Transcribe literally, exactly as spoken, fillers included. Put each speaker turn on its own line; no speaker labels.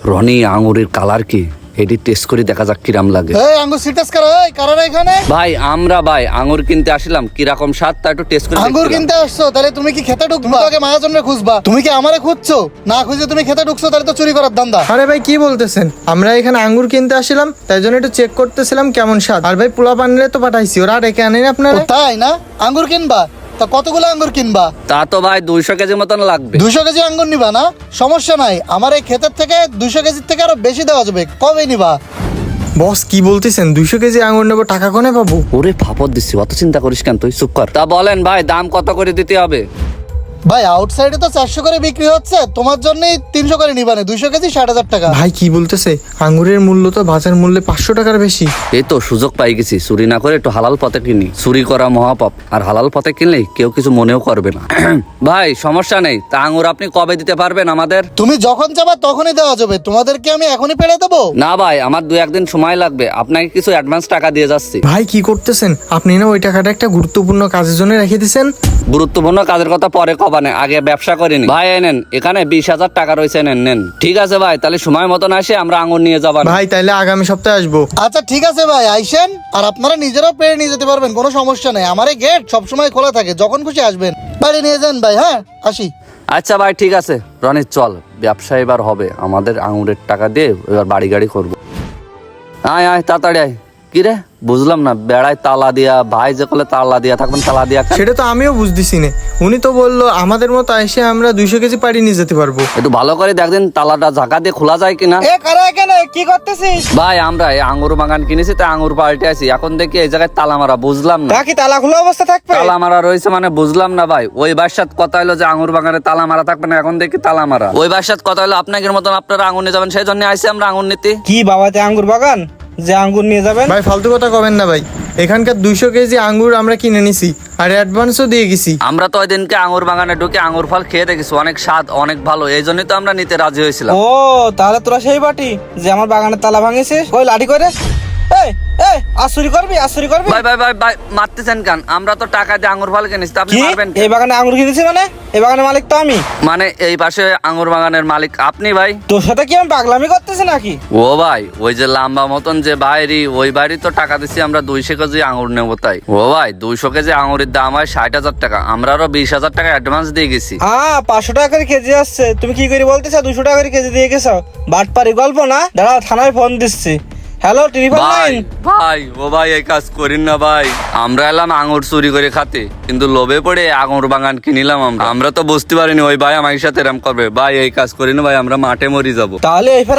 রনি আঙুরের কালার কি এটি টেস্ট করে দেখা যাক কিরাম লাগে।
এই আঙ্গুর সিটাস করা এই কারারা এখানে
ভাই আমরা ভাই আঙুর কিনতে আসলাম, কিরকম স্বাদ তা একটু টেস্ট করে
আঙ্গুর
দেখছিলাম।
কিনতে আসছো তাহলে তুমি কি খেতে ঢুকবা? আগে মায়ের জন্য খুঁজবা, তুমি কি আমারে খুঁজছো? না খুঁজে তুমি খেতে ঢুকছো তাহলে তো চুরি করার ধান্দা।
আরে ভাই কি বলতেছেন, আমরা এখানে আঙ্গুর কিনতে আসছিলাম, তাই জন্য একটু চেক করতেছিলাম কেমন স্বাদ। আর ভাই পোলা পানিরে তো পাঠাইছি, ওরা ডেকে আনেন
ও
আপনারা।
তাই না? আঙ্গুর কিনবা তা কতগুলো আঙ্গুর কিনবা?
তা তো ভাই দুইশো কেজি মতন লাগবে।
দুশো কেজি আঙ্গুর নিবা না? সমস্যা নাই, আমার এই ক্ষেতের থেকে দুশো কেজির থেকে আরো বেশি দেওয়া যাবে। কবে নিবা?
বস কি বলতেছেন, দুইশো কেজি আঙ্গুর নেবো, টাকা কোনে পাবো?
ওরে ফাপড় দিচ্ছি, অত চিন্তা করিস কেন, তুই চুপ কর। তা বলেন ভাই দাম কত করে দিতে হবে?
ভাই আউটসাইডে তো চারশো করে বিক্রি হচ্ছে, তোমার জন্যই তিনশো করে নিবা না? দুইশো কেজি ষাট হাজার টাকা।
ভাই কি বলতেছে, আঙ্গুরের মূল্য তো বাজার মূল্যে পাঁচশো টাকার বেশি।
এই তো সুযোগ পাই গেছি, চুরি না করে একটু হালাল পথে কিনি। চুরি করা মহাপাপ, আর হালাল পথে কিনলে কেউ কিছু মনেও করবে না। ভাই সমস্যা নেই, তা আঙুর আপনি কবে দিতে পারবেন আমাদের?
তুমি যখন চাবা তখনই দেওয়া যাবে, তোমাদেরকে আমি এখনই পেড়ে দেবো।
না ভাই আমার দু একদিন সময় লাগবে, আপনাকে কিছু অ্যাডভান্স টাকা দিয়ে যাচ্ছি।
ভাই কি করতেছেন আপনি, না ওই টাকাটা একটা গুরুত্বপূর্ণ কাজের জন্য রেখে দিছেন।
গুরুত্বপূর্ণ কাজের কথা পরে কবানে, আগে ব্যবসা করিনি। ভাই এনেন, এখানে বিশ হাজার টাকা রয়েছে, নেন নেন। ঠিক আছে ভাই, তাহলে সময় মতন আসে আমরা আঙুর নিয়ে যাবার।
ভাই তাইলে আগামী সপ্তাহে আসবো।
আচ্ছা ঠিক আছে ভাই, আইসেন। আর আপনারা নিজেরাও পেড়ে নিয়ে যেতে পারবেন, কোনো সমস্যা নেই। আমার এই গেট সবসময় খোলা থাকে, যখন খুশি আসবেন বাড়ি নিয়ে যান ভাই। হ্যাঁ আসি।
আচ্ছা ভাই ঠিক আছে, রনি চল, ব্যবসা এবার হবে আমাদের, আঙুরের টাকা দিয়ে এবার বাড়ি গাড়ি করবো। আয় আয় তাড়াতাড়ি আয়। কি রে বুঝলাম না, বেড়ায় তালা দিয়া, ভাই যে কলে তালা দিয়া থাকবেন, তালা দিয়া খান।
সেটা তো আমিও বুঝতেছি না, উনি তো বললো আমাদের মতো এসে আমরা দুইশো কেজি পাড়ি নিয়ে যেতে পারবো।
একটু ভালো করে দেখদিন তালাটা ঝাঁকা দিয়ে খোলা যায় কিনা।
এ কারা এখানে কি করতেছিস?
ভাই আমরা এই আঙুর বাগান কিনেছি, তাই আঙুর পাল্টে আছি, এখন দেখি এই জায়গায় তালা মারা, বুঝলাম না।
কি তালা খোলা অবস্থা থাকবে?
তালা মারা রয়েছে মানে বুঝলাম না ভাই। ওই বাসাত কথা হলো যে আঙুর বাগানে তালা মারা থাকবে না, এখন দেখি তালা মারা। ওই বাসাত কথা হলো আপনাদের মতন আপনারা আঙুর নিয়ে যাবেন, সেই জন্য আইসি আমরা আঙুর নিতে।
কি বাবাতে আঙ্গুর বাগান যে আঙ্গুর নিয়ে যাবেন?
ভাই ফালতু কথা কবেন না ভাই, এখানকার দুইশো কেজি আঙ্গুর আমরা কিনে নিছি আর অ্যাডভান্সও দিয়ে গেছি।
আমরা তো ওই দিনকে আঙুর বাগানে ঢুকে আঙুর ফল খেয়ে দেখেছি, অনেক স্বাদ, অনেক ভালো, এই জন্যই তো আমরা নিতে রাজি হয়েছিলাম।
ও তাহলে তোরা সেই বাটি যে আমার বাগানের তালা ভাঙিছিস, ওই লাঠি করে এই এই আসুরি করবি আসুরি করবি?
ভাই ভাই ভাই ভাই মারতেছেন কেন? আমরা তো টাকা দিয়ে আঙুর ফল কিনেছি, তা আপনি
কি
মারবেন কেন?
এই বাগানে আঙ্গুর কিনেছি মানে? এই বাগানের মালিক তো আমি।
মানে এই পাশে আঙুর বাগানের মালিক আপনি ভাই?
তোর সাথে কি আমি পাগলামি করতেছি নাকি?
ও ভাই ওই যে লম্বা মতন যে বাইরি, ওই বাড়ি তো টাকা দিচ্ছি আমরা দুইশো কেজি আঙুর নেবো তাই। ও ভাই দুইশো কেজি আঙুরের দাম হয় ষাট হাজার টাকা, আমরা আরো বিশ হাজার টাকা অ্যাডভান্স দিয়ে গেছি।
হ্যাঁ পাঁচশো টাকা করে কেজি আসছে, তুমি কি করে বলতেছো দুশো টাকা করে কেজি দিয়ে গেছো? বাটপারি গল্প না, দাঁড়াও থানায় ফোন দিচ্ছি। হ্যালো টেলিফোন
ভাই
লাইন।
ভাই ও ভাই এই কাজ করিন না ভাই, আমরা এলাম আঙুর চুরি করে খাতে, কিন্তু লোভে পড়ে আঙুর বাগান কিনিলাম আমরা। আমরা তো বুঝতে পারিনি ওই ভাই আমার সাথে এরম করবে। ভাই এই কাজ করিন ভাই, আমরা মাঠে মরি যাবো।
তাহলে এই